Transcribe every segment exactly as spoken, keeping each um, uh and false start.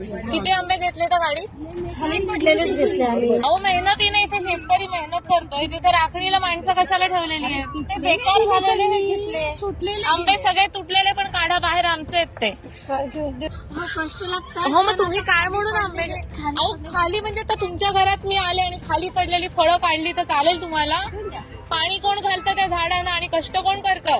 किती आंबे घेतले तर गाडी खाली पडलेलेच घेतले आम्ही. अहो मेहनतीने इथे शेतकरी मेहनत करतोय तिथे राखणीला माणसं कशाला ठेवलेली आहेत ते बेकार झालेले हे घेतले. तुटलेले आंबे सगळे तुटलेले पण काढा बाहेर आमचे आहेत ते. काय घेऊन दे. हो, कष्ट लागतात. हो मग तुम्ही काय म्हणून आंबे घे- अहो खाली म्हणजे आता तुमच्या घरात मी आले आणि खाली पडलेली फळं काढली तर चालेल तुम्हाला? पाणी कोण घालतं त्या झाडांना आणि कष्ट कोण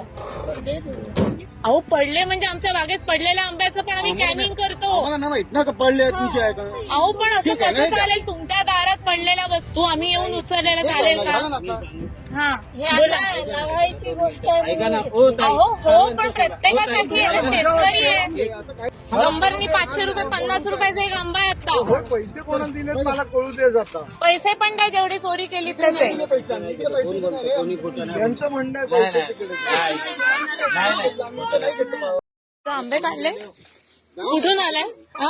करतं? अहो पडले म्हणजे आमच्या बागेत पडलेल्या आंब्याचं पण आम्ही कॅनिंग करतो. आम्हाला नाही माहित ना का पडले तुमचे आहे का. अहो पण असं ठीक आहे, कसं नाही का? चालेल? तुमच्या दारात पडलेल्या वस्तू आम्ही येऊन उचललेल्या चालेल का? झालं ना आता. हा हे बोला. आता लावायची गोष्ट आहे. ऐका ना ओ ताई. अहो हो पण प्रत्येकासाठी आहे ना, शेतकरी आहे. असं काय गंबरनी पाचशे रुपये पन्नास रुपयाचा एक आंबा आहे आता. हो, पैसे कोणाला दिले मला कळू दे जाता. पैसे पण काय जेवढी चोरी केली त्याचे. किती पैसे आणले? किती पैसे कोण बोलतो कोणी खोटं नाही यांचं म्हणणं आहे नाही, पैसे नाही. तिकडे. नाही, नाही, नाही. आम्ही तर नाही घेतलं बाबा. आंबे काढले कुठून आलाय? हा?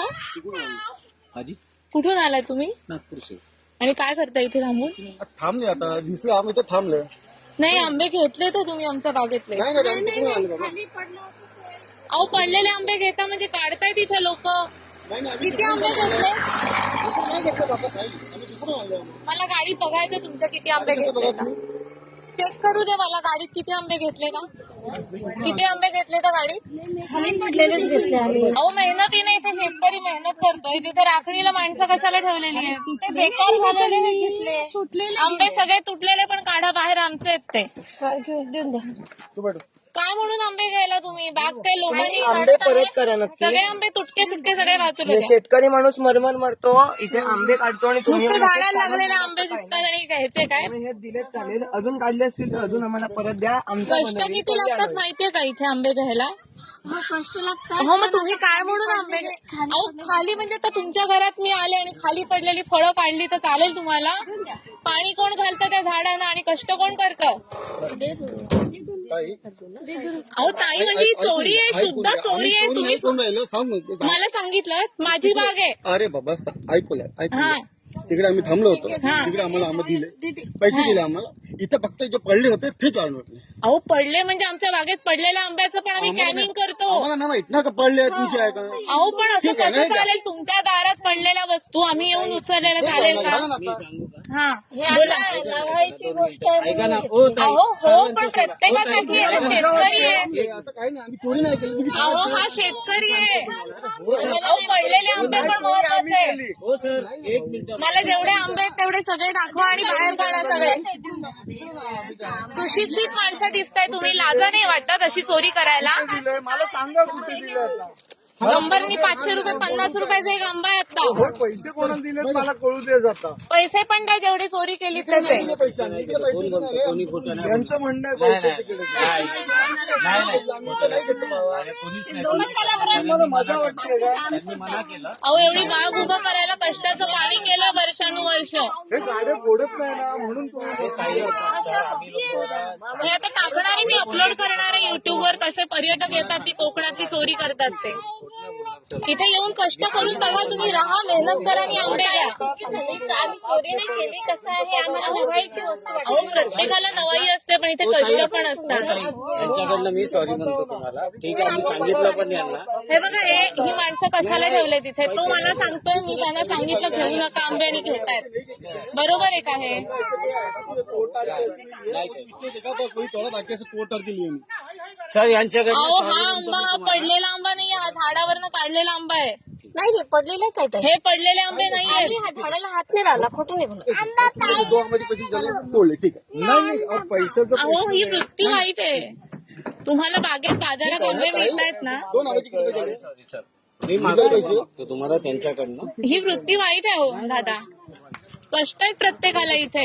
हाजी कुठून आलाय तुम्ही नागपूर से आणि काय करता इथे थांबून? थांबले आता दिसलं आम्ही तर थांबलं. नाही आंबे घेतले तर तुम्ही आमच्या बागेतले. नाही नाही आम्ही तिकडून आलो बाबा. अहो पडलेले आंबे घेता म्हणजे काढताय तिथे लोक. नाही नाही आम्ही किती आंबे घेतले? तिकडून नाही घेतलं बाबा ताई. आम्ही तिकडून आलो. मला गाडी बघायचं तुमच्या किती आंबे घेतले का. चेक करू दे मला गाडीत किती आंबे घेतले का. किती आंबे घेतले तर गाडीत? खाली पडलेलेच घेतले आम्ही. अहो मेहनतीने इथे शेतकरी मेहनत करतोय तिथे राखणीला माणसं कशाला ठेवलेली आहेत. ते बेकार झालेले हे घेतले. तुटलेले आंबे सगळे तुटलेले पण काढा बाहेर आमचे आहेत ते. काय घेऊन देऊन द्या. तू बैठ. काय म्हणून आंबे घ्यायला तुम्ही? बाग काय लोकांनी आंबे परत करा नक्की. सगळे आंबे तुटके तुटके सगळे वाचले. हे शेतकरी माणूस मरमर मरतो इथे आंबे काढतो आणि तुम्ही नुसते झाडाला लागलेले आंबे दिसतात आणि घ्यायचे काय? आम्ही हे दिले चालेल. अजून काढले असतील तर अजून आम्हाला परत द्या. आमच्या कष्ट मनाने किती कोणी लागतात आणलं. माहितीये का इथे आंबे घ्यायला? हो, कष्ट लागतात. हो मग तुम्ही काय म्हणून आंबे घे- अहो खाली म्हणजे आता तुमच्या घरात मी आले आणि खाली पडलेली फळं काढली तर चालेल तुम्हाला? पाणी कोण घालतं त्या झाडांना आणि कष्ट कोण करतं? ताई अहो ताई म्हणजे ही चोरी आहे, शुद्ध चोरी आहे. तुम्ही कोण राहिलं सांग मग. मला सांगितलं माझी बाग आहे. अरे बाबा सा- ऐकूया हा. ऐकूया तिकडे आम्ही थांबलो होतो. हा. तिकडे आम्हाला आंबे दिले पैसे दिले आम्हाला. इथं फक्त जे पडले होते ते काढून होते. अहो पडले म्हणजे आमच्या बागेत पडलेल्या आंब्याचं पण आम्ही कॅनिंग करतो. आम्हाला नाही माहित ना का पडले तुमचे आहे का. अहो पण असं ठीक आहे, कसं नाही का? चालेल? तुमच्या दारात पडलेल्या वस्तू आम्ही येऊन उचललेल्या चालेल का? झालं ना मी आता. सांगू का हा हे आता लावायची गोष्ट आहे. ऐका ना ओ ताई. अहो हो पण प्रत्येकासाठी आहे ना, शेतकरी आहे. हे असं काही नाही आम्ही चोरी नाही केली. तुम्ही अहो हा शेतकरी आहे. अहो पडलेले आंबे पण महत्वाचे आहे. हो सर एक मिनिट मला जेवढे आंबे आहेत तेवढे सगळे दाखवा आणि बाहेर काढा सगळे. सुशिक्षित माणसं दिसताय तुम्ही. लाजा नाही वाटत अशी चोरी करायला? दिलंय मला सांगा कुठे दिले आता. गंबरनी पाचशे रुपये पन्नास रुपयाचा एक आंबा आहे आता. हो, पैसे कोणाला दिले मला कळू दे जाता. पैसे पण काय जेवढी चोरी केली त्याचे. किती पैसे आणले? किती पैसे कोण बोलतो कोणी खोटं नाही यांचं म्हणणं आहे नाही, पैसे नाही. तिकडे. नाही, नाही, नाही. आम्ही तर नाही घेतलं बाबा. अरे कोणीच नाही त्यांनी मना केलं. त्यांनी मना केलं. अहो एवढी बाग उभं करायला कष्टाचं पाणी केलं वर्षानुवर्ष. हे गाड्या फोडत नाही ना म्हणून तुम्ही काही सर, आम्ही लोकं- हे आता टाकणार आहे, मी अपलोड करणार आहे युट्यूबवर. कसे पर्यटक येतात ती कोकणातली चोरी करतात ते. इथे येऊन कष्ट करून बघा तुम्ही. राहा, मेहनत करा आणि आंबे घ्या. आम्ही चोरी नाही केली. कसं आहे आम्हाला लावायची वस्तू वाटते. अहो प्रत्येकाला नवाई असते पण इथे कष्ट पण असतात. त्यांच्याकडनं मी सॉरी म्हणतो तुम्हाला. ठीक आहे मी सांगितलं पण यांना. हे बघा हे ही माणसं कशाला ठेवले तिथे? तो मला सांगतोय, मी त्यांना सांगितलं घेऊ नका आंबे आणि घेतायत. बरोबर आहे का हे? कोई थोड़ा बाकी ऐसे तोड़ के लिए सर यांच्याकडनं अहो sorry हा म्हणतो आंबा मी हा तुम्हाला. पडलेला आंबा नाही, हा झाडावरनं काढलेला आंबा आहे. नाही नाही पडलेलेच आहेत. हे पडलेले आंबे नाही आम्ही आहेत. हा झाडाला हात नाही लावला. खोटं नाही बोलत. दो आंब्याचे पैसे झाले तोडले ठीक आहे. नाही नाही अहो, पैशाचं अहो ही वृत्ती वाईट आहे. तुम्हाला बागेत बाजारात आंबे मिळतायत ना, दोन आंब्याचे किती पैसे झाले. सॉरी सर मी मागतो मागतो तुम्हाला त्यांच्याकडनं. ही वृत्ती वाईट आहे हो दादा. कष्ट आहेत प्रत्येकाला इथे.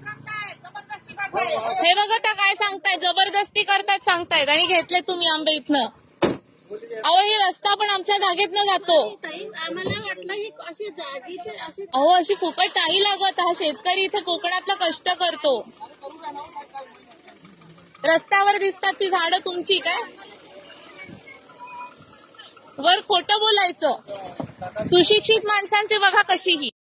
हे बघा त्या काय सांगतायत, जबरदस्ती करतायत सांगतायत आणि घेतले तुम्ही आंबे इथनं. अहो हे रस्ता पण आमच्या जागेतनं जातो. आम्हाला वाटलं ही अशी जागीचे अशी अहो अशी फुकट नाही लागत. हा शेतकरी इथे कोकणातला कष्ट करतो. रस्त्यावर दिसतात ती झाडं तुमची काय? वर खोटं बोलायचं. सुशिक्षित माणसांची बघा कशी ही.